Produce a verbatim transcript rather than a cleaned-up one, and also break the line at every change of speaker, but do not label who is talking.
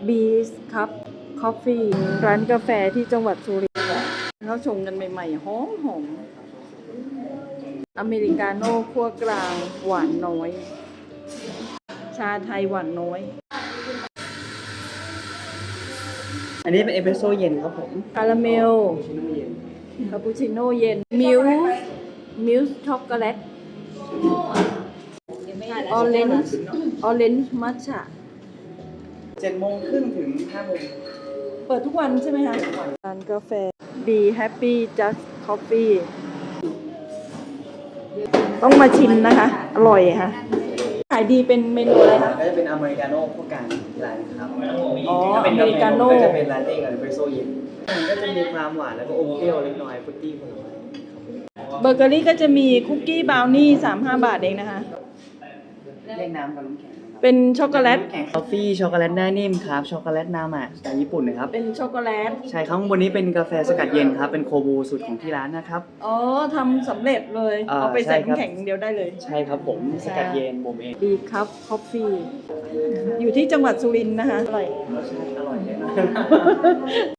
บีสครับคอฟฟี่ร้านกาแฟที่จังหวัดสุรินทร์เขาชงกันใหม่ๆหอมหอมอเมริกาโน่คั่วกลางหวานน้อย ชาไทยหวานน้อย
อันนี้เป็นเอสเปรสโซ่เย็นครับผม
คาราเมล คาปูชิโน่เย็น มิลค์มิลค์ช็อกโกแลต ออเรนจ์ ออเรนจ์มัทฉะ
เจ็ดโมงครึ่งถึงห้าโมง
เปิดทุกวันใช่ไหมคะร้านกาแฟ Be Happy Just Coffee ต้องมาชิมนะคะ อร่อยค่ะ ขายดีเป็นเมนูอะไรคะ
ก็จะเป็นอเมริกาโน่พวกกลางร้านครับ
อ๋อ
ถ้าเป็น
อเมริกาโน่
ก็จะเป็นลาเต้กับเอสเปรสโซ่เย็นมันก็จะมีความหวานแล้วก็อมเปรี้ยวเล็กน้อยฟรุตตี้ผลไม้
เบเกอรี่ก็จะมีคุกกี้บราวนี่สามสิบห้าบาทเองนะคะ
เรียกน้ำกับน้ำแข็งนะครับ
เป็นช็อกโกแลต
กาแฟช็อกโกแลตหน้านิ่มครับช็อกโกแลตนามะจากญี่ปุ่นนะครับ
เป็นช็อกโกแลต
ใช่ครับข้างบนนี้เป็นกาแฟสกัดเย็นครับเป็นโคบูสูตรของที่ร้านนะครับ
อ๋อทำสำเร็จเลย
เอ่อ
เอาไปใส่
ใช่ครับ
น้ำแข็งเดียวได้เลย
ใช่ครับผมสกัดเย็นผมเอง
ดีครับคอฟฟี่ อยู่ที่จังหวัดสุรินทร์นะคะ อร่อย
รสชาติอร่อยเลยนะ